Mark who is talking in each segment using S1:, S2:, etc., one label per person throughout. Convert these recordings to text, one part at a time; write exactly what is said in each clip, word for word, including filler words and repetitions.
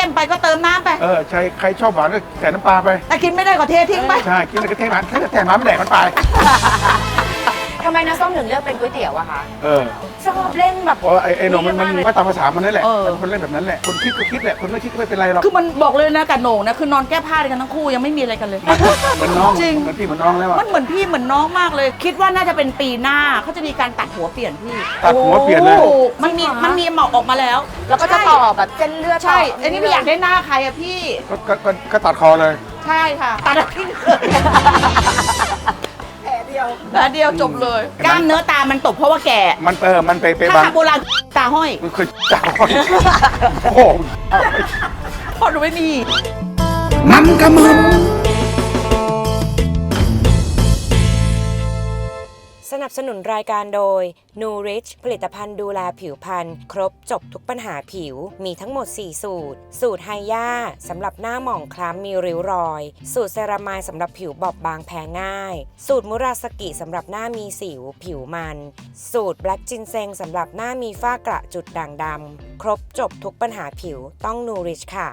S1: ไปก็เติมน้ำไป
S2: เออใครใครชอบหวานก็ใส่น้ำปลาไป
S1: แต่กินไม่ได้ก็เททิ้งไป
S2: ใช่กินอะไรก็เทมันแค่แต่น้ำไม่แดกมันไป
S3: ทำไมน้าส้มถึงเลือกเป็นก๋วยเตี๋ยวอะคะ
S2: เออ
S3: ชอบเล่นแบบ
S2: เพราะไอ้ไอ้หนุ่มมันมันก็ตามภาษามันนั่นแหละคนเล่นแบบนั้นแหละคนคิดก็คิดแหละคนไม่คิดก็ไม่เป็นไรหรอก
S1: คือมันบอกเลยนะกับโหน่งนะคือนอนแก้ผ้ากันทั้งคู่ยังไม่มีอะไรกันเลย
S2: เหมือนน้อง
S1: จริง
S2: มันพี่เหมือนน้องแล้ว
S1: มันเหมือนพี่เหมือนน้องมากเลยคิดว่าน่าจะเป็นปีหน้าเขาจะมีการตัดหัวเปลี่ยนพี่
S2: ตัดหัวเปลี่ยนเลย
S1: มันมีมันมีหมอกออกมาแล้ว
S3: แล้วก็จะต่อแบบเส้นเลือด
S1: ใช่อันนี้ไม่อยากได้หน้าใครอะพี่
S2: ก็ก็ก็ตัดคอเลย
S1: ใช่ค่ะตัดทิ้งแผลเดียวแผลเดียวจบเลยกล้ามเนื้อตามันตกเพราะว่าแก่
S2: มันเออมันไปไป
S1: บางโบราณตาห้อย
S2: มันเคยตาห้อยโอ้โห
S1: พอดูไม่มี
S2: มันกระมึง
S3: สนับสนุนรายการโดย Nourish ผลิตภัณฑ์ดูแลผิวพรรณครบจบทุกปัญหาผิวมีทั้งหมดสี่สูตรสูตรไฮย่าสำหรับหน้าหมองคล้ำมีริ้วรอยสูตรเซรามายสำหรับผิวบอบบางแพ้ง่ายสูตรมุราสกิสำหรับหน้ามีสิวผิวมันสูตรแบล็กจินเซงสำหรับหน้ามีฝ้ากระจุดด่างดำครบจบทุกปัญหาผิวต้อง Nourish ค่ะ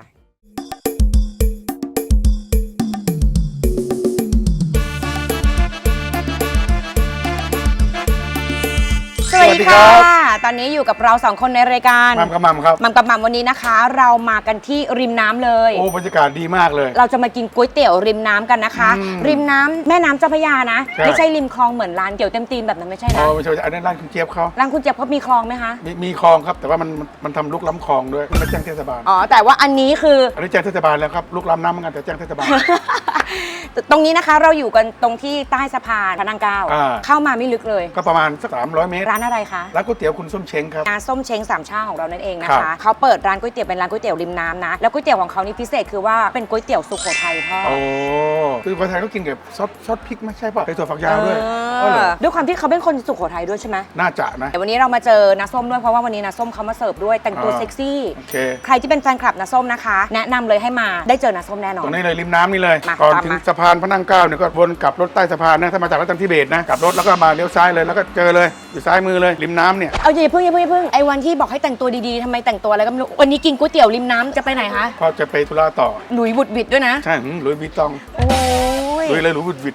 S3: สวัสดีค่ะตอนนี้อยู่กับเราสองคนในรายการ
S2: มัมกับมัมครับ
S3: มัมกับมัมวันนี้นะคะเรามากันที่ริมน้ำเลย
S2: โอ้บรรยากาศดีมากเลย
S3: เราจะมากินก๋วยเตี๋ยวริมน้ำกันนะคะริมน้ำแม่น้ำเจ้าพระยานะไม่ใช่ริมคลองเหมือนร้านเตี๋ยวเต็มตีนแบบนั้นไม่ใช่นะ
S2: อ๋อไม่ใช่อันนั้นร้านคุณเจี๊ยบเขา
S3: ร้านคุณเจี๊ยบเขามีคลองไหมคะ
S2: มีมีคลองครับแต่ว่ามันมันทำลุกล้ำคลองด้วยไม่แจ้งเทศบาล
S3: อ๋อแต่ว่าอันนี้คือ
S2: อันนี้แจ้งเทศบาลแล้วครับลุกล้ำน้ำเหมือนกันแต่แจ้งเทศบาล
S3: ตรงนี้นะคะเราอยู่กันตรงที่ใต้สะพานพระนั่งเกล้าเข้ามาไม่ลึกเลย
S2: ก็ประมาณสักสามร้อยเมตร
S3: ร้านอะไรคะ
S2: ร้านก๋วยเตี๋ยวคุณส้มเช้งครับ
S3: ร้านส้มเช้งสามชาของเรานั่นเองนะคะเขาเปิดร้านก๋วยเตี๋ยวเป็นร้านก๋วยเตี๋ยวริมน้ำนะแล้วก๋วยเตี๋ยวของเขานี่พิเศษคือว่าเป็นก๋วยเตี๋ยวสุโขทัยพ่อ
S2: โอ้คือคนไทยก็กินกับซอสซอสพริกไม่ใช่ป่ะใส่ถั่วฝักยาวด้วย
S3: ด้วยความที่เขาเป็นคนสุโขทัยด้วยใช่ไหม
S2: น่าจะนะ
S3: แต่วันนี้เรามาเจอน้าส้มด้วยเพราะว่าวันนี้น้าส้มเขามาเสิร์ฟด้วยแต่งตัวเซ็กซี่ใครที่เป็นแฟนคลับน้าส้มนะคะแนะนำเลยให้มาได้เจอน้าส้มแน่นอน
S2: ตรงนี้เลยริมน้ำนี่เลยก่อนถึงสะพานพระนั่งเกล้าเนี่ยก็วนกลับรถใต้สะพานนะถ้ามาจากรัตนทิเบศนะกลับรถแล้วก็มาเลี้ยวซ้ายเลยแล้วก็เจอเลยอยู่ซ้ายมือเลยริมน้ำเนี่ย
S3: เอาอย่าเพิ่งอย่าเพิ่งอย่าเพิ่งไอ้วันที่บอกให้แต่งตัวดีๆทำไมแต่งตัวอะไรก็ไม่รู้วันนี้กินก๋วยเตี๋ยวริมน้ำจะไปไหนคะ
S2: พ่อจะไปธุระต่อ
S3: หลุยบุดบิดด้วยนะ
S2: ใช่หลุยวิตตอง
S3: โอ้
S2: ยหลุยเลยหลุยบุดบิด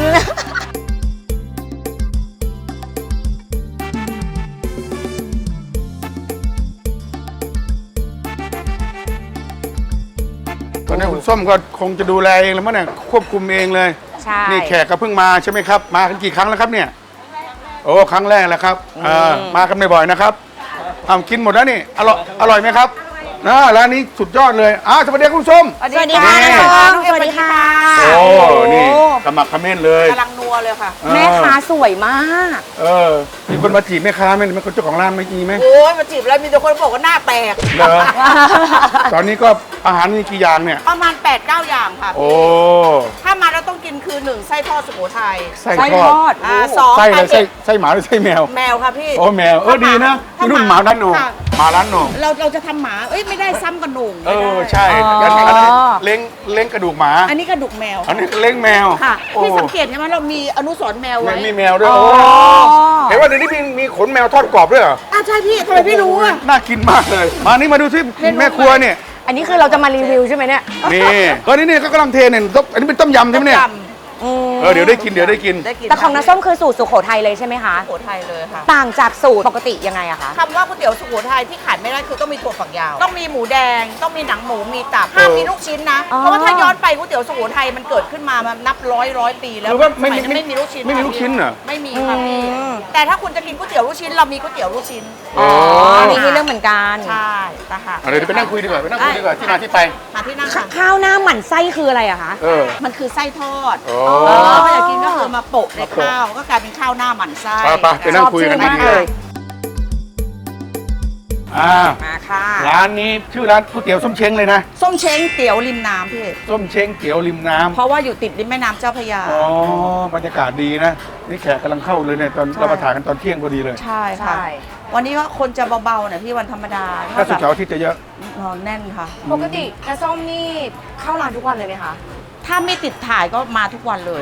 S2: ตอนนี้คุณส้มก็คงจะดูแลเองแล้วมั้งเนี่ยควบคุมเองเลย
S3: ใช่
S2: นี่แขกก็เพิ่งมาใช่ไหมครับมากันกี่ครั้งแล้วครับเนี่ยโอ้ครั้งแรกแล้วครับมากันบ่อยๆนะครับทำกินหมดแล้วนี่อร่อยอร่อยไหมครับนะร้านนี้สุดยอดเลยอ้าวสวัสดีคุณส้ม
S3: สวัสดีค่ะสวัสดีค่ะ
S2: โอ้นี่สมัครคอมเมนต์เลย
S1: กำลังนัวเลยค่ะ
S3: แม่ค้าสวยมาก
S2: เออมีคนมาจีบแม่ค้าไหมมีคนเจ้าของร้านไม่จีไหม
S1: โอ้ยมาจีบแล้วมีแต่คนบอกว่าหน้าแตก
S2: เหรอตอนนี้ก็อาหารมีกี่อย่างเนี่ย
S1: ประมาณ แปดเก้า อย่างค่ะ
S2: โอ้
S1: ถ้ามาแล้วต้องกินคือหนึ่งไส้ทอดสุโขทัย
S2: ไส้ทอด
S1: สอง
S2: ไส้อะไรไส้ไส้หมาหรือไส้แมว
S1: แมวค่ะพี่
S2: โอ้แมวเออดีนะที่รุ่นหมาด้านหนูหมาร้านหนู
S1: เราเราจะทำหมาเอ้ยไม่ได้ซ้ำกับหนู
S2: เออใช่อันนี้เล้งเล้งกระดูกหมา
S1: อันนี้กระดูกแมว
S2: อันนี้เล้งแมว
S1: ค่ะพี่สังเกตใช่ไหมเรามีอนุสรณ์แมวไว้
S2: มีแมวด้วยโอ้เห็นว่าเดี๋ยวนี้มีมีขนแมวทอดกรอบด้วยเหรอ
S1: อ่ะใช่พี่ทำไมพี่รู้อ่ะ
S2: น่ากินมากเลยมานี่มาดูที่แม่ครัวเนี่ย
S3: อันนี้คือเราจะมารีวิวใช่ไหมเนี่ย
S2: นี่ก็นี่นี่ก็กำลังเทเนี่ยอันนี้เป็นต้มยำใช่ไหมเนี่ยเออเดี๋ยวได้กินเดี๋ยวได้กิน
S3: แต่ของน้าส้มคือสูตรสุโขทัยเลยใช่ไหมคะ
S1: สุโขทัยเลยค่ะ
S3: ต่างจากสูตรปกติยังไงอะคะ
S1: คำว่าก๋วยเตี๋ยวสุโขทัยที่ขาดไม่ได้คือต้องมีถั่วฝักยาวต้องมีหมูแดงต้องมีหนังหมูมีตับห้ามมีลูกชิ้นนะเพราะว่าถ้าย้อนไปก๋วยเตี๋ยวสุโขทัยมันเกิดขึ้นมามันนับร้อยร้อยปีแล้ว
S2: ไม่
S1: ไม่ไม่มีลูกชิ้น
S2: ไม่มีลูกชิ้นเหรอ
S1: ไม่มีค่ะพี่แต่ถ้าคุณจะกินก๋วยเตี๋ยวลูกชิ้นเรามีก๋วยเตี๋ยวลูกชิ้น
S3: อ๋อนี่คือเรื่องเหมือนกัน
S1: ใช่นะคะ
S2: เดี๋ยวไปนั่งคุยดีกว่าไปนั่งคุยดีกว่าที่มาที่ไป
S1: มาที่นั่งค่ะ
S3: ข้าวหน้าหมั่นไส้คืออะไรอะคะ
S1: มันคือไส้ทอดถ้าอยากกินก็คือมาโปะในข้าวก็กลายเป็นข้าวหน้าหมั่นไส้
S2: ไปไปนั่งคุยกันดีเลยอ่า
S3: มาค่ะ
S2: ร้านนี้ชื่อร้านก๋วยเตี๋ยวส้มเช้งเลยนะ
S1: ส้มเช้งเตี๋ยวริมน้ำพี่
S2: ส้มเช้งเตี๋ยวริมน้ำ
S1: เพราะว่าอยู่ติดริมแม่น้ำเจ้าพระยา
S2: อ๋อบรรยากาศดีนะนี่แขกกำลังเข้าเลยเนี่ยตอนเรามาถ่ายกันตอนเที่ยงพอดีเลย
S1: ใช่ค่ะวันนี้ก็คนจะเบาๆนะพี่วันธรรมดา
S2: ถ้าสุดเสาร์อาทิตย์จะเยอะ
S1: นอนแน่นค่ะ
S3: ปกติน้าส้มนี่เข้าร้านทุกวันเลยไหมคะ
S1: ถ้าไม่ติดถ่ายก็มาทุกวันเลย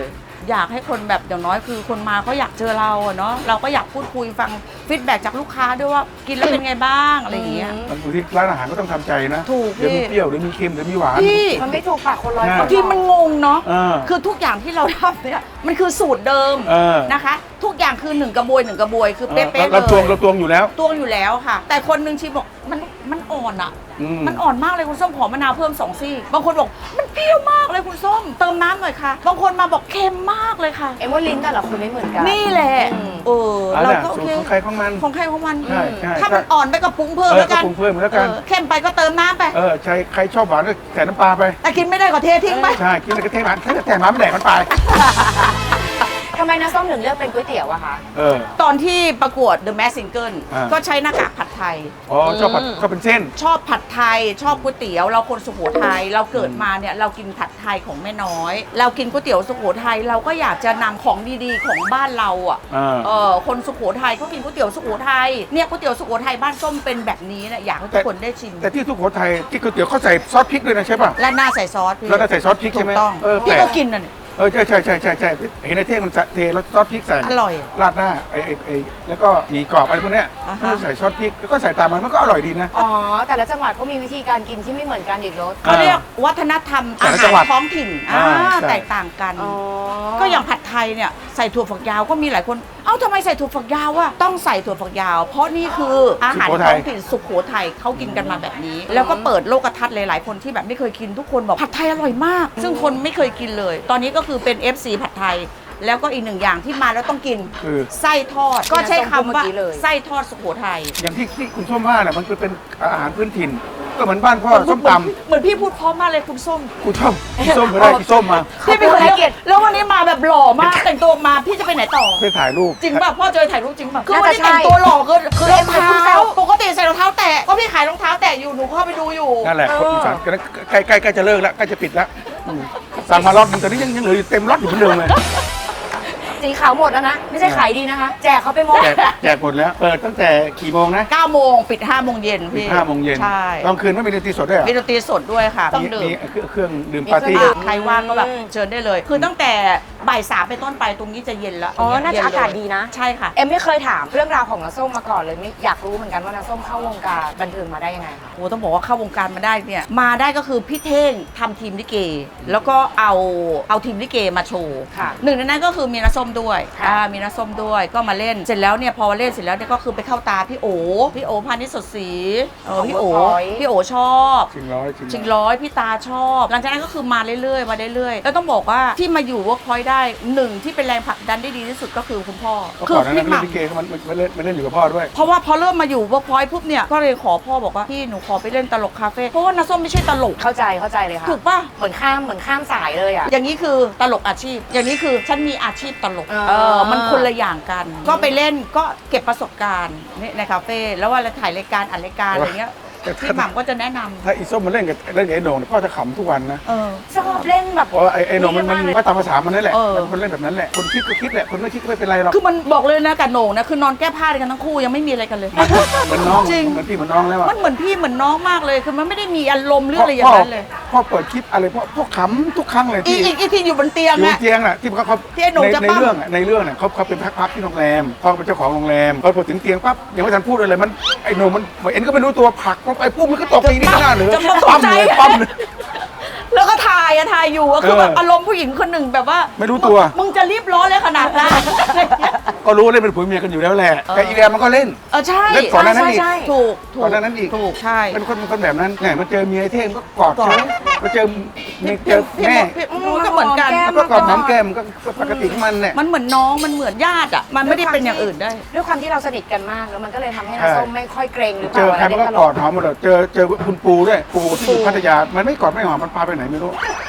S1: อยากให้คนแบบอย่างน้อยคือคนมาเขาอยากเจอเราอะเนาะเราก็อยากพูดคุยฟังฟีดแบ็กจากลูกค้าด้วยว่ากินแล้วเป็นไงบ้างอะไรอย่างเงี้ย
S2: บางทีร้านอาหารก็ต้องทำใจนะ
S1: ถูก
S2: เดี๋ยวมี
S1: พี่
S2: เปรี้ยวเดี๋ยวมีเค็มเดี๋ยวมีหวาน
S1: พี่
S4: มันไม่ถูกปากคนร้อย
S2: ใช่
S4: คน
S1: บางทีมันงงเนาะ
S2: เออ
S1: คือทุกอย่างที่เราทำเนี่ยมันคือสูตรเดิม
S2: เออ
S1: นะคะ ทุกอย่างคือหนึ่งกระบวยหนึ่งกระบวยคือ
S2: เอ
S1: เป๊ะ
S2: อ
S1: ๆเล
S2: เราตวง
S1: ย
S2: เราตวงอยู่แล้ว
S1: ตวงอยู่แล้วค่ะ แต่คนหนึงชิมบอกมันมันอ่อนอ่ะ
S2: อืม
S1: มันอ่อนมากเลยคุณส้มขอมะนาวเพิ่มสองซี่บางคนบอกมันเปรี้ยวมากเลยคุณส้มเติมน้ำหน่อยค่ะบางคนมาบอกเค็มมากเลยค่ะ
S4: เอ็มว่าลิ้นแต่ละคนไม่เหมือนกัน
S1: นี่แหละ
S4: อืม
S1: เออ
S2: อัน
S1: เรา
S2: น่ะ
S1: ก็โอ
S2: สูต
S1: เค
S2: รของใครของมัน
S1: ของใครของมัน
S2: ใช่ใช่
S1: ถ้ามันอ่อนไปก็ปรุงเพิ่ม
S2: เออ
S1: แล้วกัน
S2: ก็ปรุงเพิ่มแล้วกัน
S1: ออเค็มไปก็เติมน้ำไป
S2: เออใครใครชอบหวานก็ใส่น้ำปลาไป
S1: แต่กินไม่ได้ก็เททิ้งไป
S2: ใช่กินอะไรก็เทหวานถ้าจะแต่หวานไม่แดกมันไป
S4: ทำไมน้าส้มถึงเลือกเป็นก๋วยเตี๋ยวอะคะ
S2: เออ
S1: ตอนที่ประกวด The Mask Singer
S2: อ่า
S1: ก็ใช้หน้ากากผัดไทย
S2: อ๋อชอบผัดชอบเป็นเส้น
S1: ชอบผัดไทย ชอบก๋วยเตี๋ยว เราคนสุโขทัยเราเกิดมาเนี่ยเรากินผัดไทยของแม่น้อย เรากินก๋วยเตี๋ยวสุโขทัยเราก็อยากจะนำของดีๆของบ้านเราอ่ะ
S2: อ่า
S1: เออคนสุโขทัยเขากินก๋วยเตี๋ยวสุโขทัยเนี่ยก๋วยเตี๋ยวสุโขทัยบ้านส้มเป็นแบบนี้เนี่ยอยากให้ทุกคนได้ชิม
S2: แต่ที่สุโขทัยที่ก๋วยเตี๋ยวเขาใส่ซอสพริกด้วยนะใช่ป่ะ
S1: และหน้าใส่ซอสพี่
S2: แล้วก็ใส่ซอสพริกใช่ไหม
S1: ถูกต้อง
S2: เออ
S1: พี่
S2: แปลก
S1: ก็กินน่ะเนี่ย
S2: เออใช่ใช่ใช่ใช่ใช่เห็นในเท่งมันเทแล้วซอสพริกใส่
S1: อร่อย
S2: ราดหน้าไอ้ไอ้ไอ้แล้วก็หมีกรอบอะไรพวกเนี้ย
S1: อ่าฮะ
S2: ก็ใส่ซอสพริกแล้วก็ใส่ตามมันมันก็อร่อยดีนะ
S4: อ๋อ แต่ละจังหวัดก็มีวิธีการกินที่ไม่เหมือนกันอีกรส
S1: เขาเรียกวัฒนธรรม
S2: แต่
S1: อา
S2: ละ
S1: หา
S2: จังหวั
S1: ร
S2: ด
S1: ท้องถิ่น
S2: อ่า
S1: อ่า
S2: ใช่
S1: แตกต่างกัน
S4: อ๋อ
S1: ก็อย่างผัดไทยเนี่ยใส่ถั่วฝักยาวก็มีหลายคน เอ้าทำไมใส่ถั่วฝักยาวอะต้องใส่ถั่วฝักยาว เพราะนี่คืออาหารท้องถิ่นสุโขทัยเขากินกันมาแบบนี้ แล้วก็เปิดโลกทัศน์หลายๆคนที่แบบไม่เคยกินทุกคนบอกผัดไทยอร่อยมาก ซึ่งคนไม่เคยกินเลย ตอนนี้ก็คือเป็น เอฟ ซี ผัดไทย แล้วก็อีกหนึ่งอย่างที่มาแล้วต้องกิน
S2: คือ
S1: ไส้ทอด ก็ใช้คำว่า
S4: เมื่อกี้เลย
S1: ไส้ทอดสุโขทัย
S2: อย่างที่ที่คุณส้มว่าน่ะมันคือเป็นอาหารพื้นถิ่น ก็เหมือนบ้านพ่อส้มต
S1: เหมือนพี่พูดพร้อมมากเลยคุณส้ม
S2: ำกูชอบพี่ส้มก็ได้พี่ส้มมา
S1: พี่เป็นคนให้เกียรติแล้ววันนี้มาแบบหล่อมากแต่งตัวมาพี่จะไปไหนต่อ
S2: ไปถ่ายรูป
S1: จริงป่ะพ่อเจอถ่ายรูปจริงป่ะคือ
S4: น่า
S1: วัน
S4: จะ
S1: นี้แต่ง
S4: ใช่
S1: ตัวหล่อคือคือรอง
S4: เอ็มเป็นผู้
S1: เท้า
S4: เซล
S1: ปกติใส่รองเท้าแตะก็พี่ขายรองเท้าแตะอยู่หนูเข้าไปดูอยู่
S2: นั่นแหละ
S1: เอ
S2: คน
S1: อ
S2: อีสานก็ใกล้ใกล้ใกล้จะเลิกแล้วใกล้จะปิดแล้วอืมสั่งมาล็อตหนึงตอนนี้ยังยังเหลืออยู่เต็มล็อตอยู่เหมือนเดิมเลย
S4: สีขาวหมดแล้วนะ ไม่ใช่ขายดีนะคะ แจกเขาไปหมด
S2: แจกแจกหมดแล้ว เปิดตั้งแต่กี่โมงนะ
S1: เก้าโมงปิดห้าโมงเย็น
S2: ปิด
S1: พี่
S2: ห้าโมงเย็น
S1: ใช่
S2: ตอนคืนไม่มีดนตรีสดด้วยเหรอ
S1: มีดนตรีสดด้วยค่ะต้อง
S2: มี
S1: ดื่
S2: มี
S1: ม
S2: เครื่องเครื่องดื่ม
S4: มี
S2: ปาร์ตี้
S4: เครื่องดื่ม
S1: ใครว่างก็แบบเชิญได้เลย คือตั้งแต่บ่ายสามไปนต้นไปตรงนี้จะเย็นแล้ว
S4: อ๋อ น่าจะ
S1: เย็
S4: อากาศ
S1: เลย
S4: ดีนะ
S1: ใช่ค่ะ
S4: เอ็มไม่เคยถามเรื่องราวของน้าส้มมาก่อนเลยไม่อยากรู้เหมือนกันว่าน้าส้มเข้าวงการบันเทิงมาได้ยังไงคะ
S1: โอ้ต้องบอกว่าเข้าวงการมาได้เนี่ยมาได้ก็คือพี่เท่งทำทีมลิเก แล้วก็เอาเอาทีมลิเกมาโชว์
S4: ค่ะ
S1: หนึ่งในนั้นก็คือมีน้าส้มด้วย
S4: ค่ะ
S1: อ่ามีน้าส้มด้วยก็มาเล่นเสร็จแล้วเนี่ยพอเล่นเสร็จแล้วเนี่ยก็คือไปเข้าตาพี่โอพี่โอพานิชสดศรีเออพี่โอพี่โอชอบ
S2: ชิงร้อยชิง
S1: ชิง
S2: ร้อย
S1: ร้อยพี่ตาชอบ หลังจากนั้นก็คือมาเรื่อยๆมาเรื่อยๆแล้วต้องบอกว่าที่มาอยู่ Workpoint ได้หนึ่งที่เป็นแรงผลักดันได้ดีที่สุดก็คือคุณพ่อ
S2: ก็
S1: คื
S2: ก่อนหนานั้
S1: พี่
S2: น
S1: ห
S2: เล่
S1: ม่
S2: นลิเกก็มันมันเล่นมันเล่นอยู่กับพ่อด้วย
S1: ำเพราะว่าพอเริ่มมาอยู่ Workpoint ปุ๊บเนี่ยก็เลยขอพ่อบอกว่าพี่หนูขอไปเล่นตลกคาเฟ่เพราะว่าน้าส้มไม่ใช่ตลก
S4: เข้าใจเข้าใจเลยค่ะ
S1: ถูกป่ะ
S4: เหมือนข้ามเหมือนข้ามสายเลยอ่ะ
S1: อย่างนี้คือตลกอาชีพ อย่างนี้คือฉันมีอาชีพตลก
S4: อ่า
S1: เออมันคนละอย่างกัน ก็ไปเล่นก็เก็บประสบการณ์นี่ในคาเฟ่แล้วว่าเราถ่ายรายการอัดรายการอะไรเงี้ย
S2: แต่ถ้า
S1: พี่หม่ำก็จะแนะนำ
S2: ถ้าอีส้มมันเล่นกับเล่นกับไอ้โหน่งเนี่ยพ่อจะขำทุกวันนะ
S1: เออ
S4: ชอบเล่นแบบ
S2: เพราะว่าไอ้ไอ้โหน่งมันมันก็ตามภาษามันนั่นแหละ
S1: เออ
S2: มันเล่นแบบนั้นแหละคนคิดก็คิดแหละคนไม่คิดก็ไม่เป็นไรหรอก
S1: คือมันบอกเลยนะกับโหน่งนะคือนอนแก้ผ้าด้วยกันทั้งคู่ยังไม่มีอะไรกันเลย
S2: มันเหมือนน้อง
S1: จริง
S2: เหมือนพี่เหมือนน้องแล้วอะ
S1: มันเหมือนพี่เหมือนน้องมากเลยคือมันไม่ได้มีอารมณ์หรืออะไรอย่างนั้นเลย
S2: พ่อเปิดคลิปอะไรพ่อพ่อขำทุกครั้งเลย
S1: อี
S2: ที่
S1: อีอีที่อยู่บนเตียง
S2: อยู่
S1: อะ
S2: เตียงน่ะที่เขาเขา
S1: ที่ไอ้โหน่ง
S2: ใน
S1: จะ
S2: ใน
S1: ปั้ม
S2: เรื่องอะในเรื่องเนี่ยเขาเขาเป็นพักๆที่โรงแรมพ่อเป็นเจ้าของโรงแรมพอพอถึงเตียงปั๊บยังไม่ทันพูดอะไรมันไอ้โหน่งมันเอ็นก็ไม่รู้ตัวผลักลงไปปุ๊บมันก็ตกตีนี่ก็หน้าเหนือ
S1: จะมาตก
S2: ปั๊ม
S1: ใจ
S2: เลยปั๊มเลย
S1: แล้วก็ถ่ายอะถ่ายอยู่อะคือ
S2: เออ
S1: แบบอารมณ์ผู้หญิงคนหนึ่งแบบว่า
S2: ไม่รู้ตัว
S1: มึงจะรีบร้อนเลยขนาดนั้น
S2: ก็รู้ว่าเล่นเป็นผัวเมียกันอยู่แล้วแหละแต่อีแดงมันก็เล่น
S1: เออใช่
S2: เล่นก่อนหน้านั้นอีก
S1: ใช่ถูกถูก
S2: ก่อนหน้านั้นอีก
S1: ถูกใช่
S2: เป็นคนเป็นคนแบบนั้นไงมาเจอเมียไอ้เท่งก็กอด
S1: กอด
S2: เฉยมาเจอเมียเจอ
S1: พี่
S2: แม่
S1: พี่พี่ก็เหมือนกัน
S2: แล้วก็กอดหอมแก้มก็ปกติของมันเนี่ย
S1: มันเหมือนน้องมันเหมือนญาติอะมันไม่ได้เป็นอย่างอื่นได้
S4: ด้วยความที่เราสนิทกันมากแล้วมันก็เลยทำให้น้า
S2: ใช่
S4: ส้มไม่ค่อยเกรงหรือเป
S2: เจ
S4: ล่า
S2: อใครมันก็
S4: เล่นต
S2: ก
S4: ล
S2: อดหอมหมดเลยเจอเจอคุณปูด้วยปูที่อยู่พัทยามันไม่กอดไม่หอมมันพาไปไหนไม่รู้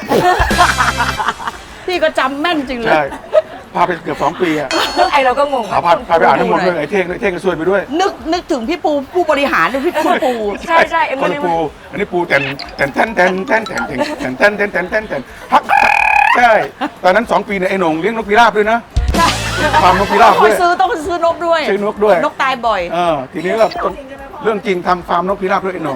S1: พี่ก็จำแม่นจริงเลย
S2: ใช่พาไปเกือบสองปีอะ
S4: เรื่องไอเราก็งง
S2: พาพาพาไปอ่านน้ำมนต์ด้วยไอ้เท่งไอ้เท่งก็ช่วยไปด้วย
S1: นึกนึกถึงพี่ปูผู้บริหารด้วยพี่คุณปู
S4: ใช่ใช่เอ็ม
S2: ค
S4: ก็
S2: น
S4: เลย
S2: ละปูอันนี้ปูแต่นแต่นแทนแทนแทนแทนแทนแทนแทนแทนแทนแทนแทนพักใช่ตอนนั้นสองปีเนี่ยไอ้หนงเลี้ยงนกพิราบด้วยนะฟาร์มนกพิราบ
S1: ต้อง
S2: ด้วย
S1: ซื้อต้องซื้อนกด้วย
S2: ซื้อนกด้วย
S1: นกตายบ่อย
S2: เออทีนี้ก็ต้องเรื่องจริงทำฟาร์มนกพิราบด้วยไอ้หนง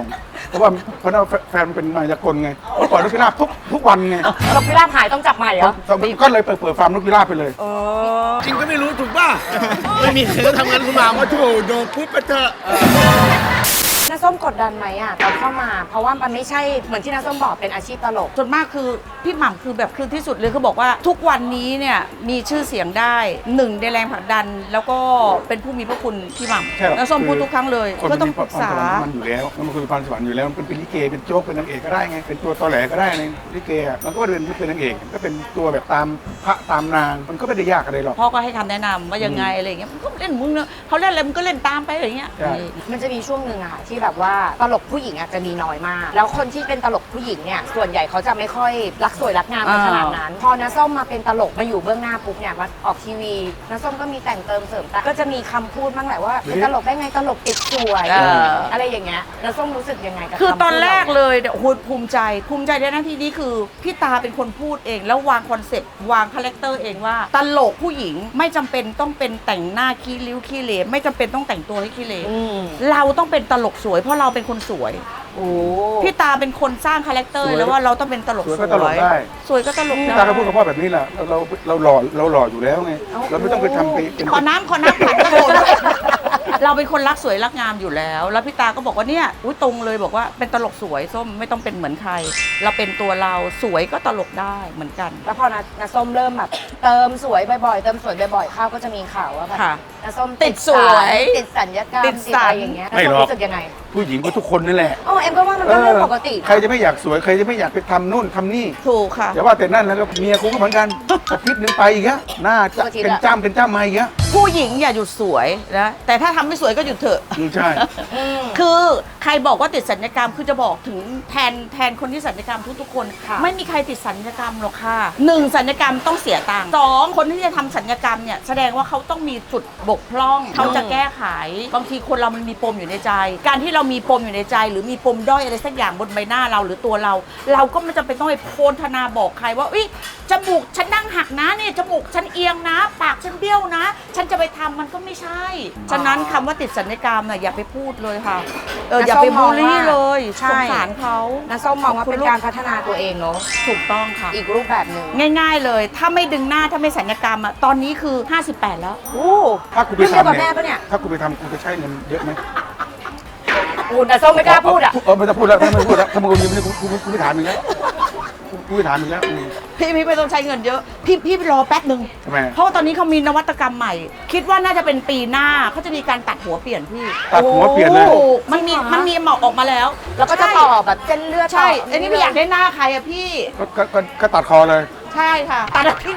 S2: เพราะว่าเพราะว่าแฟนมันเป็นมายากลไงเมื่อก่อนนกพิราบทุกทุกวันไง
S4: นกพิราบหายต้องจับใหม่เหรอ
S2: ก็เลยเปิดเปิดฟาร์มนกพิราบไปเลย
S4: เออ
S5: จริงก็ไม่รู้ถูกป่ะ ไม่มีใครก็ทำงานคุณหมาว่าโถโดนปุ๊บไปเถอะ
S4: น้าส้มกดดันไหมอ่ะตอนเข้ามา เพราะว่ามันไม่ใช่เหมือนที่น้าส้มบอกเป็นอาชีพตลก
S1: ส่วนมากคือพี่หม่ำคือแบบคือที่สุดเลยคือบอกว่าทุกวันนี้เนี่ยมีชื่อเสียงได้หนึ่งในแรงผลักดัน แล้วก็เป็นผู้มีพระคุณพี่หม่
S2: ใช่หรอ
S1: ำแล้วส้มพูดทุกครั้งเลย
S2: คน
S1: ก็
S2: มัน
S1: ต้อง
S2: มี
S1: ปรึกษา
S2: พรสวรรค์มันอยู่แล้วแล้วมันคือพรสวรรค์อยู่แล้วมันเป็นลิเกเป็นโจ๊กเป็นนางเอกก็ได้ไงเป็นตัวตอแหลก็ได้ในลิเกอะมันก็เป็นเป็นนางเอกก็เป็นตัวแบบตามพระตามนางมันก็ไม่ได้ยากอะไรหรอก
S1: พ่อก็ให้คำแนะนำว่ายังไงอะไรอย่างเงี้ยมันก็เล่นมึงเนอะเขาเล่นอะไรมึงก็เล่นตามไปอะไรอย่างเงี้ย
S2: ใช่
S4: มันจะมีช่วงหนึ่งอะค่ะที่แบบว่าตลกผู้หญิงอะจะมีน้อยมาก แล้วคนที่เป็นตลกผู้หญิงเนี่ยส่วนใหญ่เขาจะไม่ค่อยรักสวยรักงามกันขนาดนั้น พอน้าส้มมาเป็นตลกมาอยู่เบื้องหน้าปุ๊บเนี่ยมาออกทีวีน้าส้มก็มีแต่งเติมเสริมแต่ก็จะมีคำพูดบ้างแหละว่าเป็นตลกได้ไงตลกติดสวย
S1: เออ
S4: อะไรอย่างเงี้ยน้าส้มรู้สึกยังไงกับ
S1: คือตอน
S4: คำพูด
S1: แรก
S4: เหา
S1: เลยเนี่ยโอ้โหภูมิใจภูมิใจในหน้าที่นี้คือพี่ตาเป็นคนพูดเอง แล้ววางคอนเซ็ปต์วางคาแรคเตอร์เองว่า ตลกผู้หญิงไม่จำเป็นต้องเป็นแต่งหน้าขี้ริ้วขี้เหร่ไม่จำเป็นต้องแต่งตัวให้ขี้เหร่
S4: อืม
S1: เราต้องเป็นตลกสวยเพราะเราเป็นคนสวย
S4: โอ้
S1: พี่ตาเป็นคนสร้างคาแรคเตอร์
S2: สวย
S1: แล้วว่าเราต้องเป็นตลก
S2: สวย
S1: ส
S2: ก็
S1: วย
S2: ตลกได้
S1: สวยก็ตลก
S2: พี่
S1: ได้
S2: ตาก็พูดกับพ่อแบบนี้แหละเราเราเราหล่อเราหล่ออยู่แล้วไงเราไม่ต้องไปทำไปเป็น
S1: ขอน้ำขอน้ำขันกระโดดเราเป็นคนรักสวยรักงามอยู่แล้ว แล้วพี่ตาก็บอกว่าเนี่ยอุ้ยตรงเลยบอกว่าเป็นตลกสวยส้มไม่ต้องเป็นเหมือนใคร เราเป็นตัวเราสวยก็ตลกได้เหมือนกัน
S4: แล้วพอนานาส้มเริ่มแบบเติมสวยบ่อยๆเติมสวยบ่อยๆเข้าก็จะมีข่าวว่าแบบ
S1: ค่ะ
S4: นาส้ม
S1: ติดสวย
S4: ติดสัญญกรรม
S1: ติดสัญ
S4: อะไรอย่างเงี้ย
S2: ไม่
S4: นา
S2: หร
S4: ส้ม
S2: อก
S4: รู้สึกยังไง
S2: ผู้หญิงก็ทุกคนนั่นแหละ
S4: อ๋อเอ็มก็ว่ามันก็เรื่องปกตินะ
S2: ใครจะไม่อยากสวยใครจะไม่อยากไปทำนู่นทำนี่
S1: ถูกค่ะ
S2: แต่ว่าแต่นั่นแล้วก็เมียกูก็เหมือนกันอาทิตย์หนึงไปอีกอะหน้าจะเป็นจ้ำเป็นจ้ำมาอีกอะ
S1: ผู้หญิงอย่าหยุดสวยนะแต่ถ้าทำไม่สวยก็หยุดเถอะ
S2: อืมใช่
S4: อืม
S1: คือใครบอกว่าติดสัญญกรรมคือจะบอกถึงแทนแทนคนที่สัญญกรรมทุกๆคน
S4: ค่ะ
S1: ไม่มีใครติดสัญญกรรมหรอกค่ะหนึ่งสัญญกรรมต้องเสียตังค์สองคนที่จะทำสัญญกรรมเนี่ยแสดงว่าเขาต้องมีจุดบกพร่องเขาจะแก้ไขบางทีคนเรามันมีปมอยู่ในใจ การที่เรามีปมอยู่ในใจ หรือมีปมด้อยอะไรสักอย่างบนใบหน้าเราหรือตัวเรา เราก็ไม่จำเป็นต้องไปโพลธนาบอกใครว่าอุ๊ยจมูกฉันนั่งหักนะเนี่ยจมูกฉันเอียงนะ ปากฉันเบี้ยวนะ ฉันจะไปทำมันก็ไม่ใช่ ฉะนั้นคำว่าติดสัญญกรรมน่ะอย่าไปพูดเลยค่ะเอออย่าไปบูลลี่เลยสงสารเขา
S4: นาส้มมองว่าเป็นการพัฒนาตัวเองเนาะ
S1: ถูกต้องค่ะ
S4: อีกรูปแบบหนึ่ง
S1: ง่ายๆเลย ถ้าไม่ดึงหน้าถ้าไม่สัญญกรรมอ่ะตอนนี้คือ ห้าสิบแปด แล้ว
S4: โอ้
S2: ถ้ากูไป
S4: เรื่องเดียวกับ
S2: ทำ
S4: แม่
S2: เนี่ย
S4: ปะเนี่ย
S2: ถ้ากูไปทำกูจะใช้เงินเยอะไหม
S4: อูนาส้มไม่กล้าพูดอ่ะ
S2: เออไม่ต้องพูดแล้วถ้าไม่พูดแล้วถ้ามึงยังไม่ได้กูกูกูไม่ถามมึงแล้วกูกูไม่ถามมึงแล้วอืม
S1: พี่พี่ไม่ต้องใช้เงินเยอะ พี่พี่รอแป๊บหนึ่ง
S2: ทำไม
S1: เพราะว่าตอนนี้เขามีนวัตกรรมใหม่ คิดว่าน่าจะเป็นปีหน้าเขาจะมีการตัดหัวเปลี่ยนพี่
S2: ตัดหัวเปลี่ยนเลย
S1: ถูกมันมีมันมีหมอกออกมาแล้ว
S4: แล้วก็จะต่อแบบเส้นเลือด
S1: ใช่
S4: ต่
S1: อันนี้ไม่อยากได้หน้าใครอะพี่
S2: ก็ก็ก็ก็ตัดคอเลย
S1: ใช่ค่ะตัดที่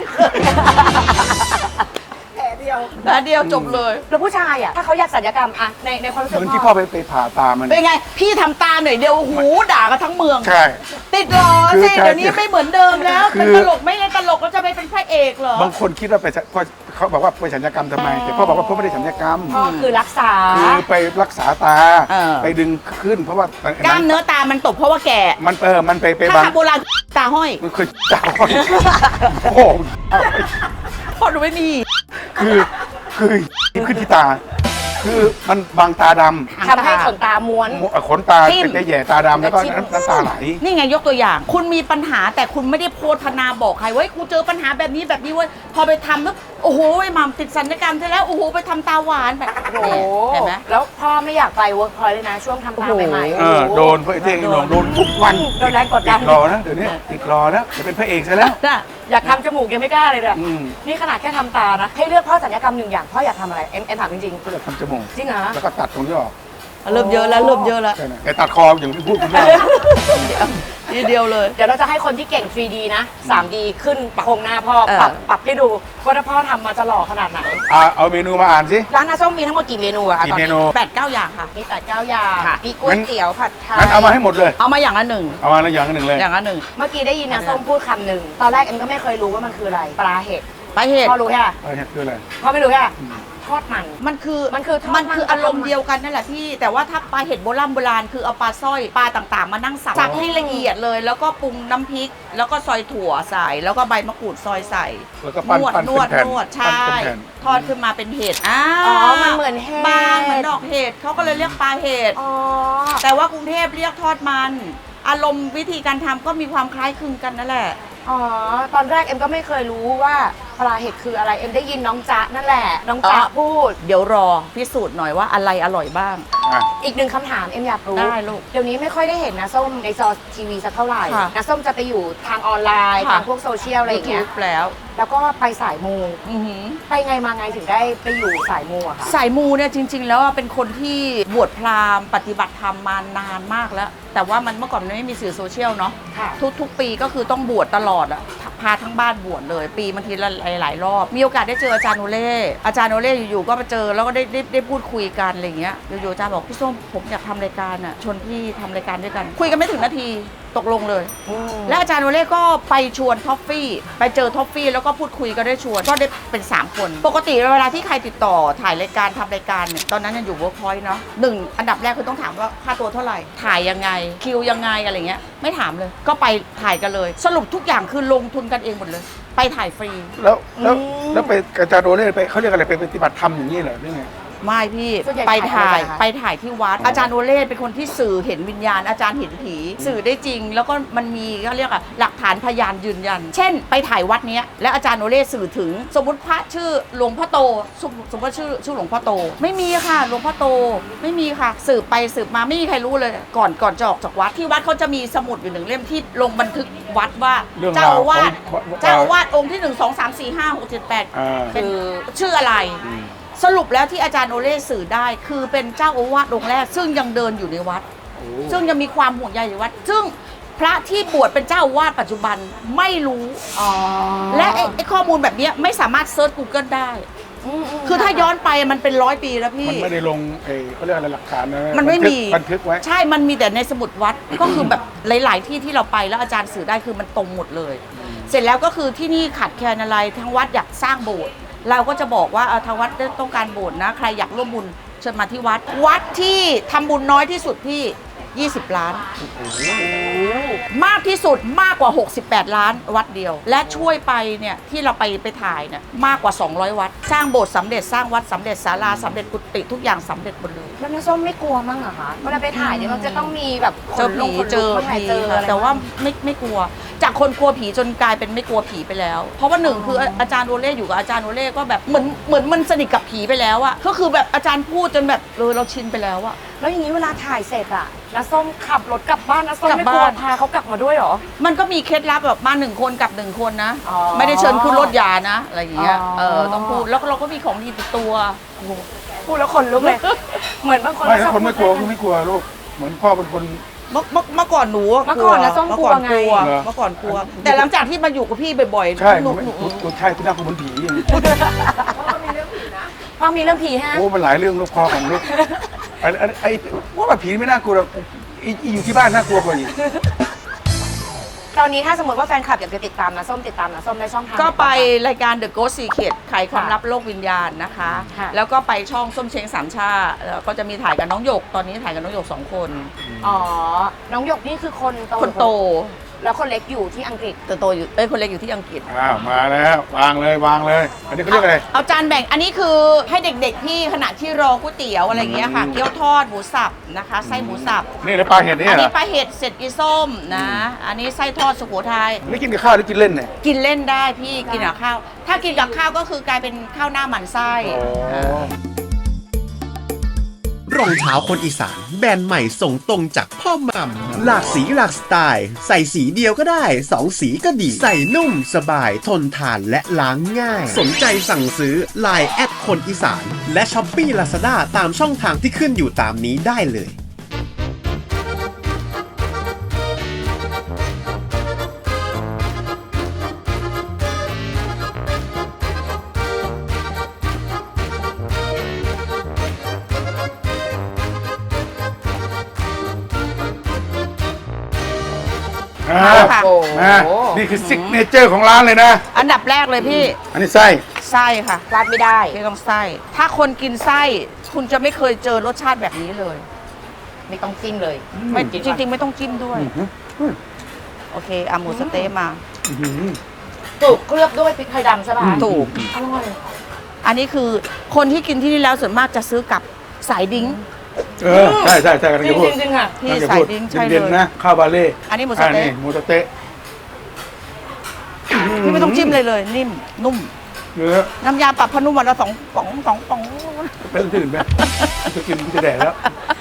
S1: แผลเดียวแผลเดียวจบเลย
S4: แล้วผู้ชายอ่ะถ้าเขาอยากศัลยกรรมอะในในความรู้สึก
S2: เหมือนที่พ่อไปไปผ่าตามัน
S1: เป็นไง พี่ทำตาหน่อยเดียวหูด่ากันทั้งเมือง
S2: ใช่
S1: ติดหรอ
S2: คือ
S1: สิ
S2: ใช่
S1: เดี๋ยวนี้ไม่เหมือนเดิมแล้ว
S2: คือ
S1: เป็นตลกไม่เล่นตลกแล้วจะไปเป็นพระเอกเหรอ
S2: บางคนคิดว่าไปพ่อเขาบอกว่าไปสัญญกรรมทำไม แต่พ่อบอกว่าพ่อไม่ได้สัญญกรรม
S4: พ่อคือรักษา
S2: คือไปรักษาตา
S1: เออ
S2: ไปดึงขึ้น เพราะว่าก
S1: ล้ามเนื้อตามันตกเพราะว่าแก่
S2: มันเออมันไปไป
S1: ถ้า
S2: บาง
S1: ทำโบราณตาห้อย
S2: มันเคยจ่าโอ้โห
S1: พอหนูไม่มี
S2: คือคือขึ้นที่ตา คือมันบางตาดำ
S4: ทำให้ขนตาม้วน
S2: ขนตา
S1: ทิ่ม
S2: จะแย่ตาดำแล้วก็
S4: ทิ่ม
S2: น้ำตาไหล
S1: นี่ไงยกตัวอย่าง คุณมีปัญหาแต่คุณไม่ได้โพธนาบอกใครว่ากูเจอปัญหาแบบนี้แบบนี้เว้ยพอไปทำแล้วโอ้โหไอ้หม่ำติดสัญญกรรมใช่แล้วโอ้โหไปทำตาหวานแบบ
S4: โอ้โห
S1: เห็นไหม
S4: แล้วพ่อไม่อยากไปเวิร์กพอยต์เลยนะ ช่วงทำตาใหม่ๆ
S2: เออโดนพระเอกโดนโดนทุกวัน
S4: โดนแรงกด
S2: ติ
S4: ดัน
S2: ดรอนะเดี๋ยวนี้ติดรอนะจะเป็นพระเอกซะแล้ว
S1: น่ะ
S4: อยากทำจมูกยังไม่กล้าเลยเนี่ย
S2: อืม
S4: นี่ขนาดแค่ทำตานะ ให้เลือกพ่อศัลยกรรมหนึ่งอย่างพ่ออยากทำอะไรเอ็มเอ็มถามจริง
S2: ก็จะทำจมูก
S4: ๆจริงเหรอ
S2: แล้วก็ตัดตรงนี้ออก
S1: เริ่มเยอะแล้วเริ่มเยอะแล้ว
S2: ใช่ไหมแต่ตัดคออย่างที่พูดคุณแม่
S1: ทีเดียวเลย
S4: เดี๋ยวเราจะให้คนที่เก่ง ทรีดี นะ ทรีดี ขึ้นโครงหน้าพ่อ
S1: เออ
S4: ปรับปรับให้ดูว่าถ้าพ่อทำมาจะหล่อขนาดไหน
S2: อ่ะเอาเมนูมาอ่านสิ
S4: ร้านน้าส้มมีทั้งหมดกี่เมนูอะคะ
S2: กี่
S4: ตอน
S2: เม
S4: นี้
S2: นู
S1: แปดเก้าอย่างค่ะ
S4: มีแต่เก้าอย่าง
S1: ค่ะ
S4: มีก๋วยเตี๋ยวผัดไทย
S2: งั้นเอามาให้หมดเลย
S1: เอามาอย่างละหนึ่ง
S2: เอามาแล้วอย่างหนึ่งเลย
S1: อย่างละหนึ่ง
S4: เมื่อกี้ได้ยินน้าส้มพูดคำหนึ่งตอนแรกเอ็มก็ไม่เคยรู้ว่ามันคืออะไรปลาเห็ด
S1: ไปเหตุ
S4: พ่อรู้แค่
S2: เอาเนี่ยคืออะไร
S4: พ่อไม่รู้แค่ทอดมัน
S1: มันคือ
S4: มันคือทอด
S1: มันคือ
S4: มัน
S1: อารมณ์เดียวกันนั่นแหละพี่ แต่ว่าถ้าปลาเห็ดโบราณโบราณคือเอาปลาสร้อยปลาต่างๆ มานั่งสับสับให้ละเอียดเลย แล้วก็ปรุงน้ำพริก แล้วก็ซอยถั่วใส่แล้วก็ใบมะกรูดซอยใส่
S2: แล้วก็ปั้น
S1: นวด
S2: ปั้น
S1: นวด
S2: เป็นแผ่น
S1: นวด
S2: ปั้น
S1: ใช่
S2: เป็นแผ่น
S1: ทอดขึ้นมาเป็นเห็ดอ่า
S4: อ๋อมันเหมือนเห็ด
S1: บางเหมือนดอกเห็ดเขาก็เลยเรียกปลาเห็ด
S4: อ๋อ
S1: แต่ว่ากรุงเทพเรียกทอดมัน อารมณ์วิธีการทำก็มีความคล้ายคลึงกันนั่นแหละ
S4: อ๋อ ตอนแรกเอ็มก็ไม่เคยรู้ว่าปลาเห็ดคืออะไร เอ็มได้ยินน้องจ๊ะนั่นแหละ น้องจ๊ะ
S1: อ๋อ
S4: พูด
S1: เดี๋ยวรอพิสูจน์หน่อยว่าอะไรอร่อยบ้าง
S2: อ่ะ
S4: อีกหนึ่งคำถามเอ็มอยากรู้
S1: ได้ลูก
S4: เดี๋ยวนี้ไม่ค่อยได้เห็นนะส้มในจอทีวีสักเท่าไหร่
S1: ค่ะ
S4: นะส้มจะไปอยู่ทางออนไลน์
S1: ค่ะ
S4: ทางพวกโซเชียลอะไรอย่างเงี้ย
S1: YouTube แล้ว
S4: แล้วก็ไปสายมู
S1: อือหือ
S4: ไปไงมาไงถึงได้ไปอยู่สายมูอะคะ
S1: สายมูเนี่ยจริง ๆ แล้วอะเป็นคนที่บวชพราหมณ์ปฏิบัติธรรมมานานมากแล้ว แต่ว่ามันเมื่อก่อนมันไม่มีสื่อโซเชียลเนาะ
S4: ค่ะ
S1: ทุกๆ ปีก็คือต้องบวชตลอดอะพาทั้งบ้านบวชเลย ปีบางทีละหลายๆรอบ มีโอกาสได้เจออาจารย์โอเล่อาจารย์โอเล่อยู่ๆก็มาเจอแล้วก็ได้ได้ได้พูดคุยกันอะไรเงี้ยอยู่ๆอาจารย์บอกพี่ส้มผมอยากทำรายการอะชวนพี่ทำรายการด้วยกัน คุยกันไม่ถึงนาทีตกลงเลย
S4: อืม
S1: และอาจารย์โอเล่ก็ไปชวนท็อฟฟี่ไปเจอท็อฟฟี่แล้วก็พูดคุยก็ได้ชวนก็ได้เป็น สาม คน ปกติเวลาที่ใครติดต่อถ่ายรายการทำรายการเนี่ยตอนนั้นยังอยู่เวิร์กพอยต์เนาะหนึ่งอันดับแรกคือต้องถามว่าค่าตัวเท่าไหร่ ถ่ายยังไงคิวยังไงอะไรเงี้ยไม่ถามเลย ก็ไปถ่ายกันเลย สรุปทุกอย่างคือลงทุนกันเองหมดเลย ไปถ่ายฟรี
S2: แล้วแล้ว
S4: อืม
S2: แล้วไปกระจายโดเล่ไปเขาเรียกอะไรไปปฏิบัติธรรมอย่างนี้เหรอหรือไง
S1: ไม่พี่
S4: ส่วนใหญ่
S1: ไปถ่าย
S4: ถ่ายอะไรคะ
S1: ไปถ่ายที่วัด อาจารย์โอเล่เป็นคนที่สื่อเห็นวิญญาณอาจารย์เห็นผี สื่อได้จริง แล้วก็มันมีเขาเรียกอะหลักฐานพยานยืนยัน เช่น ไปถ่ายวัดเนี้ยแล้วอาจารย์โอเล่สื่อถึง สมมติพระชื่อหลวงพ่อโตสมสมมติว่าชื่อชื่อหลวงพ่อโต ไม่มีค่ะหลวงพ่อโตไม่มีค่ะ สืบไปสืบมาไม่มีใครรู้เลย ก่อนก่อนจะออกจากวัดที่วัดเขาจะมีสมุดอยู่หนึ่งเล่มที่ลงบันทึกวัดว่า
S2: เรื่อง
S1: เจ้า
S2: รา
S1: อาว วาส
S2: ของ
S1: เจ้าอาวาสองค์ที่หนึ่งสองสามสี่ห้าหกเจ็ดแปด
S2: อ่า
S1: เป็นชื่ออะไร สรุปแล้วที่อาจารย์โอเล่สื่อได้คือเป็นเจ้าอาวาสองค์แรก ซึ่งยังเดินอยู่ในวัด ซึ่งยังมีความห่วงใยในวัด ซึ่งพระที่บวชเป็นเจ้าอาวาสปัจจุบันไม่รู้
S4: อ๋อ
S1: และไอ้ไอ้ข้อมูลแบบเนี้ยไม่สามารถเซิร์ช Google ได้
S4: มๆ
S1: คือถ้าย้อนไปมันเป็นร้อยปีแล้วพี่
S2: มันไม่ได้ลงเออเขาเรียกอะไรหลักฐานนะ
S1: มันไม่
S2: บัทึก
S1: มี
S2: บันทึกไว้
S1: ใช่มันมีแต่ในสมุดวัด ก็คือแบบหลาย ๆ ที่ที่เราไปแล้วอาจารย์สื่อได้คือมันตรงหมดเลย เสร็จแล้วก็คือที่นี่ขาดแคลนอะไรทั้งวัดอยากสร้างโบสถ์เราก็จะบอกว่าเอ่อทางวัดต้องการโบสถ์นะ ใครอยากร่วมบุญเชิญมาที่วัด วัดที่ทำบุญน้อยที่สุดพี่ ยี่สิบ ล้าน มากที่สุดมากกว่า หกสิบแปด ล้านวัดเดียว และช่วยไปเนี่ยที่เราไปไปถ่ายเนี่ยมากกว่า สองร้อย วัด สร้างโบสถ์สำเร็จสร้างวัดสำเร็จศาลาสำเร็จกุฏิทุกอย่างสำเร็จหมดเลย
S4: แล้วน้าส้มไม่กลัวมั้งเหรอคะเวลาไปถ่ายเนี่ยมันจะต้องมีแบบข
S1: เจอน
S4: ลุ
S1: ผี
S4: กขน
S1: เจ
S4: ลุก
S1: อ
S4: บ้างไหม
S1: ผี
S4: เจอ
S1: ค่ะ
S4: อะไร
S1: แต่ว่า
S4: บ้ง
S1: ไม่ไม่กลัว จากคนกลัวผีจนกลายเป็นไม่กลัวผีไปแล้ว เพราะว่าหนึ่งคืออาจารย์โอเล่อยู่กับอาจารย์โอเล่ก็แบบเหมือนเหมือนมันสนิทกับผีไปแล้วอะก็คือแบบอาจารย์พูดจนแบบเออเราชินไปแล้วอะ
S4: แล้วอย่างนี้เวลาถ่ายเสร็จอะน้าส้มขับรถกลับบ้านน้าส้ม
S1: กลับ
S4: ไม่กลัว
S1: บ้าน
S4: พาเขากลับมาด้วยเหรอ
S1: มันก็มีเคล็ดลับแบบมาหนึ่งคนกับหนึ่งคนนะ
S4: อ๋อ
S1: ไม่ได้เชิญขึ้นรถยานะอะไรอย่างเงี้ย
S4: อ๋อ
S1: เออต้องพูดแล้วเราก็มีของดีติดตัว
S4: พูดแล้วขนลุกเลย เหมือนบางคน
S2: ไม่ถ้า
S4: ชอบ
S2: คนไม่กลัว
S4: พู
S2: ก็
S4: ด
S2: ไม่กลัวลูกเหมือนพ่อเป็นคน
S1: เมื่อเมื่อเมื่อก่อนหนู
S4: เมื่อก่อนนะส้ม
S1: เมื่อก่อน
S4: ก
S1: ก
S4: ลั
S1: ลั
S4: ว
S1: ว
S4: ไง
S1: เมื่อก่อนกลัว แต่หลังจากที่มาอยู่กับพี่บ่อยๆ
S2: ใช่
S1: หนู
S2: ไม่
S1: หนู
S2: กูใช่ที่น่ากลัวเหมือนผีอย่างนี้
S4: พ่อมีเรื่องผีฮะ
S2: โอ้มันหลายเรื่องลูกพ่อของลูกไอ้ไอ้ไอ้ว่าแบบผีไม่น่ากลัวหรอกไอ้ไอ้อยู่ที่บ้านน่ากลัวกว่าอีก
S4: ตอนนี้ถ้าสมมติว่าแฟนคลับอยากจะติดตามน้าส้มติดตามน้าส้มได้ช่องทาง
S1: ก็ไป
S4: หนบ้างคะ
S1: รายการ The Ghost Secret ไขความลับโลกวิญญาณนะคะ
S4: ค่ะ
S1: แล้วก็ไปช่องส้มเช้งสามชาแล้วก็จะมีถ่ายกับน้องหยก ตอนนี้ถ่ายกับน้องหยกสองคน
S4: อ๋อ น้องหยกนี่คือคนโต
S1: คนโต
S4: แล้วคนเล็กอยู่ที่อังกฤษ
S1: แต่โตอยู่เอ้ยคนเล็กอยู่ที่อังกฤษ
S2: อ้าวมาแล้ววางเลยวางเลย อันนี้เขาเรียกอะไร
S1: เอาจานแบ่งอันนี้คือให้เด็กๆที่ขณะที่รอก๋วยเตี๋ยวอะไรอย่างเงี้ยค่ะ
S2: อืม
S1: เกี๊ยวทอดหมูสับนะคะไส้หมูสับ
S2: นี่แล้วปลาเห็ดนี่
S1: อัน
S2: เหร
S1: นี้
S2: อ
S1: ปลาเห็ดเสร็จอีส้มนะ อันนี้ไส้ทอดสุโขทัย
S2: อันนี่กินกับข้าวหรือกินเล่นเนี่ย
S1: กินเล่นได้พี่กินกับข้าว ถ้ากินกับข้าวก็คือกลายเป็นข้าวหน้าหมันไส้
S2: อ๋อ
S1: เออ
S5: รองเท้าคนอีสานแบรนด์ใหม่ส่งตรงจากพ่อหม่ำหลากสีหลากสไตล์ ใส่สีเดียวก็ได้สองสีก็ดี ใส่นุ่มสบายทนทานและล้างง่าย สนใจสั่งซื้อ ไลน์ แอดคนอีสาน และช้อปปี้ลาซาด้าตามช่องทางที่ขึ้นอยู่ตามนี้ได้เลย
S2: อ่า
S1: ค่ะ
S2: มานี่คือซิกเนเจอร์ของร้านเลยนะ
S1: อันดับแรกเลยพี่
S2: อันนี้ไส้
S1: ไไส้ค่ะ
S4: พลาดไม่ได้
S1: พี่ต้องไส้ ถ้าคนกินไส้คุณจะไม่เคยเจอรสชาติแบบนี้เลย
S4: ไม่ต้องจิ้มเลย
S1: ไม่
S4: กิน
S1: จริง ๆ ไม่ต้องจิ้มด้วย
S2: อืม
S1: โอเคเอาหมูสะเต๊ะมา
S2: อื้อหือ
S4: ถูกเคลือบด้วยพริกไทยดำใช่ป่ะ
S1: ถูก
S4: อร่อย
S1: อันนี้คือคนที่กินที่นี่แล้วส่วนมากจะซื้อกับสายดิ้ง
S2: เออใช่ใช่ใช่กำลัง
S4: จริ
S2: จะ
S4: ง
S2: พูด
S4: จริงๆค่ะ
S1: ที่
S2: กำลังจะ
S1: สาย
S2: พูด
S1: ดิ้งใช่เล
S2: เย็น
S1: ย
S2: ๆนะข้าวบาเล่
S1: อันนี้หมูสะเต๊ะ
S2: อ่าหมูสะเต๊ะ
S1: พี่ไม่ต้องจิ้มเลยเลย นิ่มนุ่ม
S2: เนื้อ
S1: น้ำยาปรับพนุ่มวันละสองป๋องสองป๋อง
S2: ไปที่อื่นไหมจะกินจะแดดแล้ว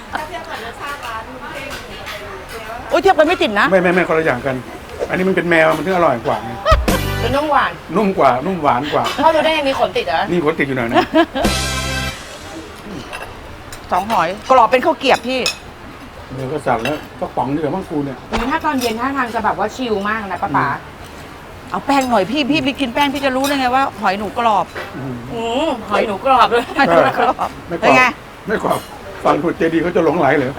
S1: โอ้ยเทียบกันไม่ติดนะ
S2: ไม่ไม่ไม่คนละอย่างกัน อันนี้มันเป็นแมวมันถึงอร่อยกว่าไง
S4: เป็นน้ำหวาน
S2: นุ่มกว่านุ่มหวานกว่า
S4: พ่อรู้ได้ยังมีขนติดเหรอ
S2: นี่ขนติดอยู่หน่อยนะ
S1: สองหอยกรอบเป็นข้าวเกรียบพี่
S2: เดี๋ยวก็สั่งแล้วก็ป๋องเดียวมั่งกูเนี่ย
S4: อืมถ้าตอนเย็นท่าทางจะแบบว่าชิลมากนะป้าป๋า
S1: เอาแป้งหน่อยพี่พี่ไปกินแป้งพี่จะรู้ได้ไงว่าหอยหนูกรอบ
S2: อืม
S4: อืมหอยหนูกรอบเลย
S1: หอยหนูกรอบ
S2: ไม่ก
S1: เป็น
S2: รอบ
S1: ไง
S2: ไม่กรอบฟังถูกเจดีเขาจะหลงไหลเลย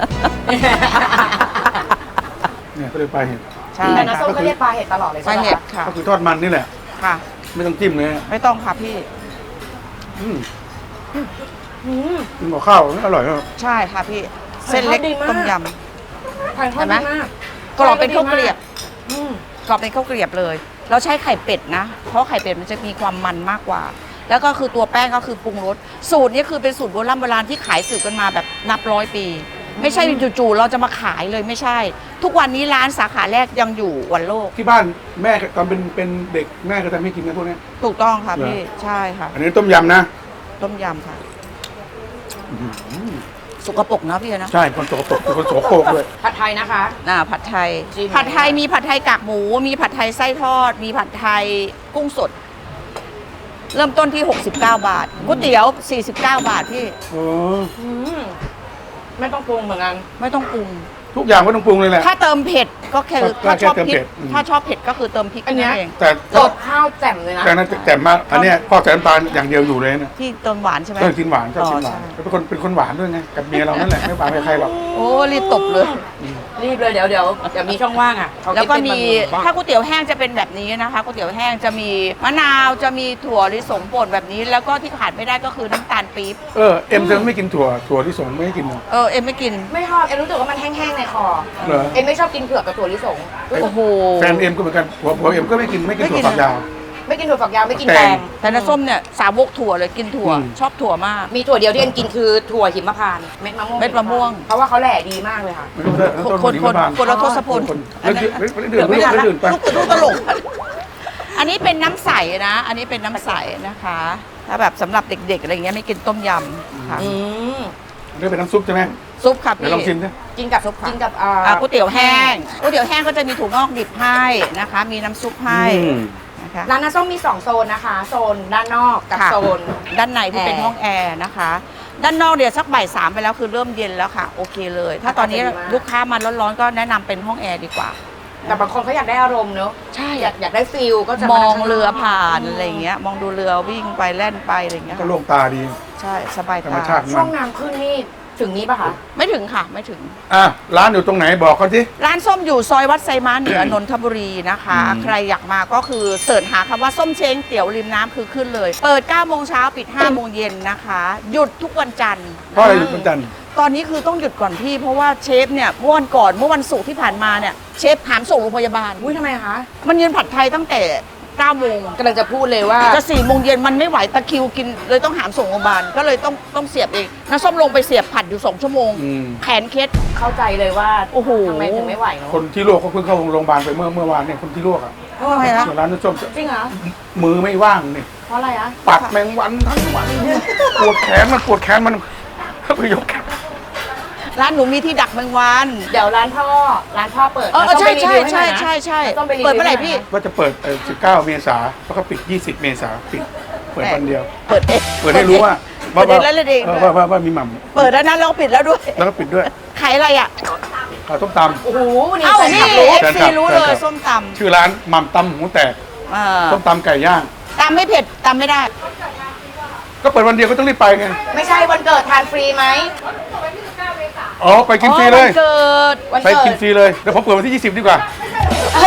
S2: เนี่ยก็เลยไปลาเห็ด
S1: ใช่
S4: แต่น้า
S1: ค่ะ
S4: ส้มก็เรียกปลาเห็ดตลอดเลย
S1: ป
S4: ใช่
S1: ลา
S4: ไหม
S1: เห็ด
S4: คะ
S1: ค่ะ
S2: ก็คือทอดมันนี่แหละ
S1: ค่ะ
S2: ไม่ต้องจิ้มเลย
S1: ไม่ต้องค่ะพี่
S2: อืม
S4: อืม
S2: กินกับข้าวอร่อยมาก
S1: ใช่ค่ะพี่ เส้นเล็ก
S4: ดีมาก
S1: ต้มย
S4: ทานข้าว
S1: เห็นไหม
S4: ดีมาก
S1: ำกรอบเป็นข้าวเกรียบ
S4: อืม
S1: กรอบเป็นข้าวเกรียบเลย เราใช้ไข่เป็ดนะ เพราะไข่เป็ดมันจะมีความมันมากกว่า แล้วก็คือตัวแป้งก็คือปรุงรส สูตรนี้คือเป็นสูตรโบราณโบราณที่ขายสืบกันมาแบบนับร้อยปี ไม่ใช่จู่ๆเราจะมาขายเลยไม่ใช่ ทุกวันนี้ร้านสาขาแรกยังอยู่วันโลก
S2: ที่บ้านแม่ตอนเป็นเป็นเด็กแม่ก็ทำให้กินกันพวกเนี้ย
S1: ถูกต้องค่ะ
S2: เหรอ
S1: พี่ ใช่ค่ะ
S2: อันนี้ต้มยำนะ
S1: ต้มยำค่ะ
S2: อื้อหือ
S1: สกปรกนะพี่นะ
S2: ใช่คนโสกปรกคนโสโครกด้วย
S4: ผัดไทยนะคะ
S1: อ่าผัดไทย
S4: จิ้ม
S1: ผัดไทยมีผัดไทยกากหมู มีผัดไทยไส้ทอด มีผัดไทยกุ้งสด เริ่มต้นที่ หกสิบเก้า บาทก๋วยเตี๋ยว สี่สิบเก้า บาทพี่
S2: โอ้
S4: อืมไม่ต้องปรุงเหมือนกัน
S1: ไม่ต้องปรุง
S2: ทุกอย่างไม่ต้องปรุงเลยแหละ
S1: ถ้าเติมเผ็ดก็คือ
S2: ก็
S1: ถ้าชอบ
S2: แค่เติม
S1: พริ
S2: เผ็
S1: ก
S2: ดอืม
S1: ถ้าชอบเผ็ดก็คือเติมพริก
S4: อันเนี้ย
S1: นั่นเอง
S2: แต่
S4: รสข้าวแจ่มเลยนะ
S2: แต่นั้นแจ่มมากอันเนี้ยพ่อใส่น้ำตาลอย่างเดียวอยู่เลยนะ
S1: ที่เติมหวานใช่ไหม
S2: ชอบกินหวานชอบกินหวาน
S1: อ๋อใช่
S2: เป็นคนเป็นคนหวานด้วยไงกับเมียเรานั่นแหละไม่หวานกับใครหรอก
S1: โอ้รีบตบเลย
S4: รีบเลยเดี๋ยวเดี๋ยวเดี๋ยวมีช่องว่างอ่ะเขา
S1: แล้วก็มี
S4: คิดเป็น
S1: ถ้าก๋วยเตี๋ยวแห้งจะเป็นแบบนี้นะคะก๋วยเตี๋ยวแห้งจะมีมะนาวจะมีถั่วลิสงป่นแบบนี้ แล้วก็ที่ขาดไม่ได้ก็คือน้ำตาลปี๊บ
S2: เออเอ็มจะไม่กินถั่วถั่วที่สงไม่ให้กินเหรอ
S1: เออเอ็มไม่กิน
S4: ไม่ชอบเอ็มรู้สึกว่ามันแห้งๆในคอ
S2: เหรอ
S4: เอ็มไม่ชอบกินเผือกกับถั่วลิสง
S1: โอ้โห
S2: แฟนเอ็มก็เหมือนกันผัวผัวเอ็มก็ไม่กินไม่กิน
S1: ไม่กิ
S2: ถั่วน ฝักยาว
S4: ไม่กินถั่วฝักยาวไม่กิน
S2: แต
S4: แต
S2: ง
S4: ง
S1: แต่น้าส้มเนี่ยสาวกถั่วเลยกินถั่ว
S2: อืม
S1: ชอบถั่วมาก
S4: มีถั่วเดียวที่เอ็มกินคือถั่วหิมพานต์เม็ดมะม่วง
S1: เม็ดมะม่วง
S4: เพราะว่าเขาแหล่ดีมากเลยค่ะ
S2: ไม่รู้เลย
S1: คน
S2: ต้
S1: คน
S2: หิ
S1: คน
S2: มพาต์
S1: คนละทศพล
S2: คน
S1: อันนั้น
S2: ไม่ไม่ดื่มไม่
S1: เดี๋ยวไม่ทันละ
S2: ดื่มไป
S1: ลูกลูกตลก อันนี้เป็นน้ำใสนะ อันนี้เป็นน้ำใสนะคะ ถ้าแบบสำหรับเด็กๆอะไรเงี้ยไม่กินต้มยำค่ะ
S4: อืม
S2: นี่เป็นน้ำซุปใช่ไหม
S1: ซุปค่ะ
S2: เดี๋ยว
S1: พี่
S2: ลองชิมดิ
S4: กินกับ
S1: ซุปค่ะ
S4: กินกับอ่า
S1: อ่าก๋วยเตี๋ยวแห้งก๋วยเตี๋ยวแห้งก็จะมีถั่วงอกดิบให้นะคะ มีน้ำซุปให้
S2: อืม
S1: นะคะ
S4: ร้านน้าส้มมีสองโซนนะคะ โซนด้านนอกกับ
S1: ค่ะ
S4: โซน
S1: ด้านในที่เป็น
S4: แอร์
S1: ห้องแอร์นะคะ ด้านนอกเดี๋ยวสักบ่ายสามไปแล้วคือเริ่มเย็นแล้วค่ะ โอเคเลย ถ้าตอนนี้
S4: อากาศดีมาก
S1: ลูกค้ามาร้อนๆก็แนะนำเป็นห้องแอร์ดีกว่า
S4: แต่บางคนเขาอยากได้อารมณ์เนอะ
S1: ใช่
S4: อยากอยากได้ฟิลก็จะ
S1: ม
S4: มา
S1: อง
S4: ข้างนก
S1: เรือผ่านอะไรอย่างเงี้ย มองดูเรือวิ่งไปแล่นไปอะไรอย่างเงี้ย
S2: ก็โล่งตาดี
S1: ใช่สบาย
S2: ธรรม
S1: ตา
S2: ชาติ
S4: ช่วงน้ำขึ้นนี่ถึงนี้ปะคะ
S1: ไม่ถึงค่ะไม่ถึง
S2: อ่ะร้านอยู่ตรงไหนบอกเขาสิ
S1: ร้านส้มอยู่ซอยวัดไซม้าเหนือนนทบุรีนะคะ
S2: อืม
S1: ใครอยากมาก็คือเสิร์ชหาคำว่าส้มเช้งเตี๋ยวริมน้ำคือขึ้นเลย เปิดเก้าโมงเช้าปิดห้าโมงเย็นนะคะ หยุดทุกวันจันทร์
S2: เพราะอะไรอยู่วันจันทร์
S1: ตอนนี้คือต้องหยุดก่อนพี่ เพราะว่าเชฟเนี่ยเมื่อวันก่อนเมื่อวันศุกร์ที่ผ่านมาเนี่ยเชฟหามส่งโรงพยาบาล
S4: อุ้ยทำไมคะ
S1: มันยืนผัดไทยตั้งแต่เก้าโมง
S4: กำลังจะพูดเลยว่า
S1: จะสี่โมงเย็นมันไม่ไหวตะคริวกินเลยต้องหามส่งโรงพยาบาลก็เลยต้องต้องเสียบเองน้าส้มลงไปเสียบผัดอยู่สองชั่วโมง
S2: อืม
S1: แขนเคล็ด
S4: เข้าใจเลยว่า
S1: โอ้โห
S4: ทำไมถึงไม่ไหวเนาะ
S2: คนที่ลวกเขาเพิ่งเข้าโรงพยาบาลไปเมื่อเมื่อวานเนี่ยคนที่ลวกอ่ะ
S1: ทำไมนะ
S2: ส่วนร้านน้ำส้ม
S4: จริงเหรอ
S2: มือไม่ว่างนี่
S4: เพราะอะไรอะ
S2: ปัดแมงวันทั้งวันปวดแขนมันปวดแขนมันไปยกแขน
S1: ร้านหนูมีที่ดักแมงวัน
S4: เดี๋ยวร้านพ่อร้านพ่อเปิด
S1: เออ
S4: แล้วต้อง
S1: ใช่
S4: ไปรี
S1: ใช่
S4: วิวห้ห
S1: ใช่
S4: น่อยนะ
S1: ใช่ใช่
S4: แล้วต้องไปรีวิว
S1: เปิดเมื่อไหร่
S4: ให้
S1: พี่
S4: น่ยนะ
S2: ว่าจะเปิดเอ่อสิบเก้าเมษาแล้วก็ปิดยี่สิบเมษาปิดเปิดวันเดียว
S1: เปิดเอง
S2: เปิดให้รู้ว่า
S1: เปิดเองแล้วเลยเอง
S2: เออว่าว่าว่ามีหม่ำ
S1: เปิดแล้วนะเราปิดแล้วด้วย
S2: แล้วก็ปิดด้วย
S1: ขายอะไรอ่ะ
S2: ข้าวต้มต
S4: โอ้โหนี่
S1: เอ้า
S4: แฟน
S1: นี่
S4: คลับรู้
S1: เอฟ
S2: แฟน
S1: ซี
S2: คลับ
S1: รู้
S2: แฟ
S1: เล
S2: นคลั
S1: ย
S2: บ
S1: ส้มต
S2: ำชื่อร้านหม่ำตำหูแตก
S1: ำอ่า
S2: ต้มตำไก่ย่าง
S1: ตำไม่เผ็ดตำไม่ได้
S2: ก็เปิดวันเดียวก็ต้องรีบไปไง
S4: ไม่ใช่วันเกิดทานฟรีไหม
S2: อ๋อไปกินฟรีเลย
S1: อ๋อวันเกิด
S4: วัน
S2: ไป
S4: เกิ
S2: กิน
S4: ด
S2: ฟรีเลยเดี๋ยวผมเปิดวันที่ยี่สิบดีกว่า
S4: ท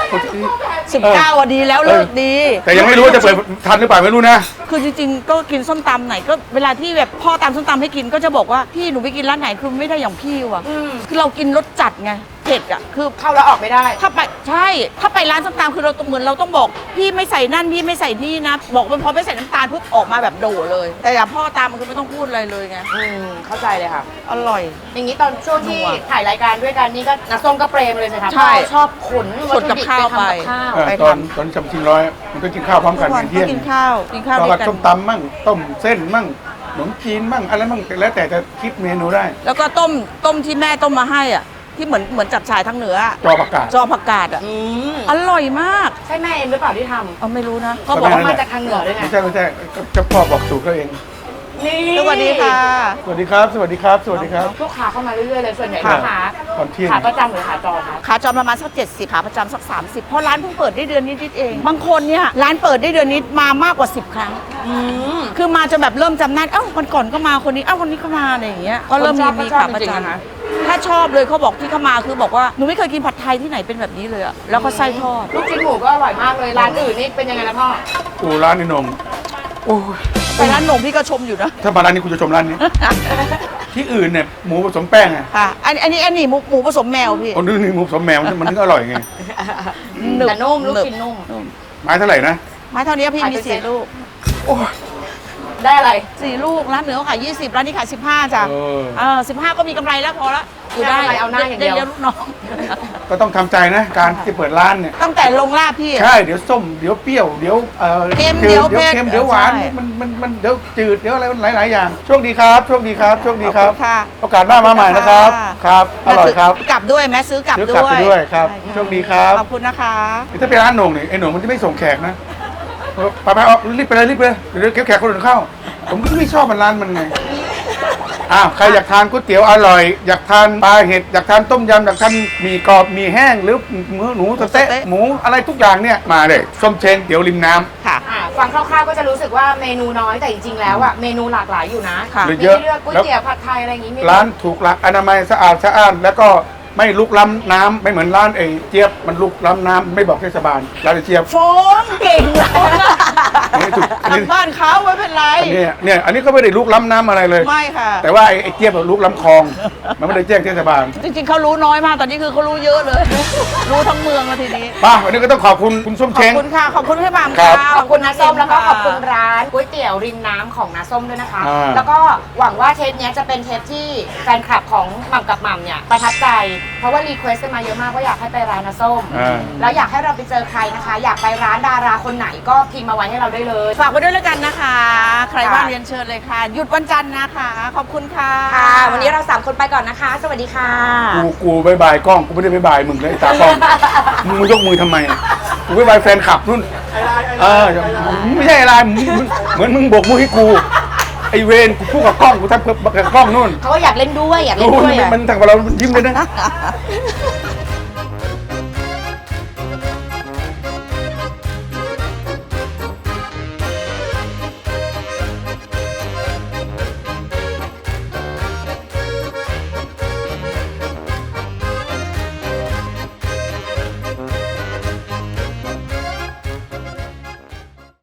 S1: สิบเก้าอ่ะดีแล้วเลิกดี
S2: แต่ยังไม่รู้ว่าจะเปิดทันหรือเปล่าไม่รู้นะ
S1: คือจริงๆ ก็กินส้มตำไหนก็เวลาที่แบบพ่อตำส้มตำให้กินก็จะบอกว่าพี่หนูไปกินร้านไหนคือไม่ได้อย่างพี่ว่ะ
S4: อืม
S1: คือเรากินรสจัดไงเผ็ดอ่ะคือ
S4: เข้าแล้วออกไม่ได้
S1: ถ้าไปใช่ถ้าไปร้านส้มตำคือเราต้องเหมือนเราต้องบอกพี่ไม่ใส่นั่นพี่ไม่ใส่นี่นะ บอกเป็นพอไม่ใส่น้ำตาลปุ๊บออกมาแบบโดเลย แต่อย่างพ่อตามมันคือไม่ต้องพูดอะไรเลยไง
S4: อืมเข้าใจเลยค่ะ
S1: อร่อย
S4: อย่างนี้ตอนช่วงที่
S1: นัว
S4: ถ่ายรายการด้วยกันนี่ก็น้าส้มก็เปรมเลยสิคะ
S1: ใช่
S4: พ่อชอบขน
S1: ขนกับข้าว
S4: วัตถุดิบ
S1: ไป
S4: ทำกับข้าว
S2: เออ
S1: ไป
S2: ตอน
S1: ทำ
S2: ตอนชำชิงร้อยมันก็กินข้าวพร้อม
S1: ทุ
S2: กัน
S1: กวัน
S2: เที่
S1: ก็
S2: ยง
S1: กินข้าวกินข้าว
S2: ตอน
S1: ด้วย
S2: ละ
S1: กัน
S2: ส้มตำมั่งต้มเส้นมั่งขนมจีนมั่งอะไรมั่งแล้วแต่จะคิดเมนูได้
S1: แล้วก็ต้มต้มที่แม่ต้มมาให้อ่ะที่เหมือนเหมือนจับฉ่ายทางเหนืออะ
S2: จอประกาศ
S1: จอผักกาดอ่ะ
S4: อืม
S1: อร่อยมาก
S4: ใช่แม่เองหรือเปล่าที่ท
S1: เอาไม่รู้นะ
S4: ำ
S1: เขา
S4: เขา
S1: บบ อ
S4: อก ก
S1: ว่า
S4: ว่า
S1: มา
S4: มาจากทางเหนือด้วยไง
S2: ไม่ใช่ไม่ใช่ก็เจ้าพ่อบอกสูตรเขาเอง
S4: นี่
S1: สวัสดีค่ะ
S2: สวัสดีครับ สวัสดีครับ สวัสดีครับ
S4: ลูกค้าเข้ามาเรื่อยๆเลยส่วนใหญ่
S2: ค่ะ
S4: ลูกค้า
S2: ตอนเที่ยง
S4: ขาประจำหรือขาจรคะ
S1: ขาจรประมาณสักเจ็ดสิบขาประจำสักสามสิบเพราะร้านเพิ่งเปิดได้เดือนนิดๆเอง บางคนเนี่ยร้านเปิดได้เดือนนิดมามากกว่าสิบครั้ง
S4: อืม
S1: คือมาจนแบบเริ่มจำหน้าเอ้าวันก่อนก็มาคนนี้เอ้าคนนี้ก็มาอะไรอย่างเงี้ยก็เริ่มมีมีขาประจำถ้าชอบเลยเขาบอกที่เขามาคือบอกว่าหนูไม่เคยกินผัดไทยที่ไหนเป็นแบบนี้เลยอะแล้วก็ไส้ทอด
S4: ลูกชิ้นหมูก็อร่อยมากเลยร้านอื่นนี่เป็นยังไงนะพ่อ
S2: กูร้านนี้นมโอ้ย
S1: ไปร้านหนมพี่ก็ชมอยู่นะ
S2: ถ้ามาร้านนี้กูจะชมร้านนี้ ที่อื่นเนี่ยหมูผสมแป้งไง
S1: ค่ะอันอันนี้อันนี้หมูหมูผสมแมวพี่
S2: คนนึงนี่หมูผสมแมวมันมันถึงอร่อยไง
S1: หนึบ
S4: แต่นุ่มลูก
S1: หนึบ
S4: ชิ้นนุ่ม
S2: ไม้เท่าไหร่นะ
S1: ไม้เท่านี้พี่มี
S4: ขายเป็น
S1: สี่
S4: เซ็ต
S1: ลูก
S2: โอ้ย
S4: ได้อะไร
S1: สี่ลูกร้านเหนือเขาขายยี่สิบร้านนี้ขายสิบห้าจ้ะ
S2: เออ
S1: เออสิบห้าก็มีกำไรแล้วพอละอยู่ได้
S4: ไม่เอาหน้าอย่างเดียว
S1: เลี้ยงลูกน้อง
S2: ก็ต้องทำใจนะ การที่เปิดร้านเนี่ย
S1: ตั้งแต่ลงลาบพี่
S2: ใช่ เดี๋ยวส้ม เดี๋ยวเปรี้ยว เดี๋ยวเอ่อ
S1: เค็ม
S2: จื
S1: เดี๋ยว
S2: เดี๋ยว
S1: เผ็ด
S2: เค็ม เดี๋ยวหวาน
S1: ใช่
S2: มัน มัน มัน เดี๋ยวจืด เดี๋ยวอะไรมันหลาย ๆ อย่าง โชคดีครับ โชคดีครับ โชคดีครับ
S1: ขอบคุณค่ะ
S2: โอกาสหน้ามาใหม่นะครับ ครับ อร่อยครับ
S1: กลับด้วยแม่ซื้อกลับ
S2: ซื้อ
S1: ด้
S2: กลับ
S1: วย
S2: ไปด้วยครับ
S1: ใช่
S2: โชคดีครับ
S1: ขอบคุณนะคะ
S2: ถ้าเป็นร้านโหน่งเนี่ยไอ้โหน่งมันจะไม่ส่งแขกนะเออไปไปเอารีบไปเลยรีบไปเลยเดี๋ยวเดี๋ยวแขกคนอื่นเข้า ผมก็ไม่ชอบมันร้านมันไง อ้าวใครอยากทานก๋วยเตี๋ยวอร่อย อยากทานปลาเห็ด อยากทานต้มยำ อยากทานหมี่กรอบหมี่แห้ง หรือหมูหนูสะเต๊ะหมูอะไรทุกอย่างเนี่ย มาเลย ส้มเชงเตี๋ยวริมน้ำ
S1: ค่ะ
S4: อ่าฟังคร่าวๆก็จะรู้สึกว่าเมนูน้อยแต่จริงๆแล้วอะเมนูหลากหลายอยู่นะ
S1: ค่ะ
S4: มี
S2: เยอะ
S4: ให้เลือกก๋วยเตี๋ยวผัดไทยอะไรอย่างงี้มี
S2: ร้านถูกหลักอนามัยสะอาดสะอ้าน แล้วก็ไม่ลุกล้ำน้ำไม่เหมือนร้านไอ้เจี๊ยบมันลุกล้ำน้ำไม่บอกเทศบาลร้านไอ้เจี๊ยบ
S1: โฟมเก่งเลย
S2: อันนี้ถูกอันนี้
S1: บ้านเขาไม่เป็นไร
S2: อันนี้เนี่ยอันนี้ก็ไม่ได้ลุกล้ำน้ำอะไรเลย
S1: ไม่ค่ะ
S2: แต่ว่าไอ้ไอ้เจี๊ยบอะลุกล้ำคลอง มันไม่ได้แจ้งเทศบาล
S1: จริงๆเขารู้น้อยมากตอนนี้คือเขารู้เยอะเลย รู้ทั้งเมืองแล้วทีนี้
S2: มาวันนี้ก็ต้องขอบคุณคุณส้ม
S1: ข
S2: เช
S1: อบ
S2: ง
S1: คุณค่ะ ขอบคุณพี่บาม
S2: ครั
S1: ค่ะ
S2: บ
S4: ขอบคุณน้าส้มแล้วก็ขอบคุณร้านก๋วยเตี๋ยวริมน้ำของน้าส้มด้วยนะคะ
S2: อ่า
S4: แล้วก็หวังว่าเทปเนี้ยจะเป็นเทปที่แฟนคลับของหม่ำกับหม่ำเนี่ยประทับใจ เพราะว่ารีเควสต์กันมาเยอะมากว่าอยากให้ไปร้านน้าส้ม
S2: อ่า
S4: แล้วอยากให้เราไปเจอใครนะคะ อยากไปร้านดาราคนไหนก็พิมพ์มาไว้ให้เราได้เลย
S1: ฝากไว้ด้วยแล้วกันนะคะ ใคร
S4: ค่ะ
S1: ว่างเรียนเชิญเลยค่ะ หยุดวันจันทร์นะคะ ขอบคุณค่ะ
S4: ค่ะ วันนี้เราสามคนไปก่อนนะคะ สวัสดีค่ะ
S2: กูกูบายบายกล้องกูไม่ได้บายบายมึงเลยตากล้องมึงมึงยกมือทำไมกูบายบายแฟนคลับนู่นเออไม่ใช่อะไรมึงมึงเหมือนมึงโบกมือให้กูไอเวนกูพูดกับกล้องกูทำกับกล้องนู่น
S4: เขาก็อยากเล่นด้วยอยากเล่
S2: ดู
S4: นด้วย
S2: มัน
S4: อะ
S2: มันทางเรายิ้มเลยนะ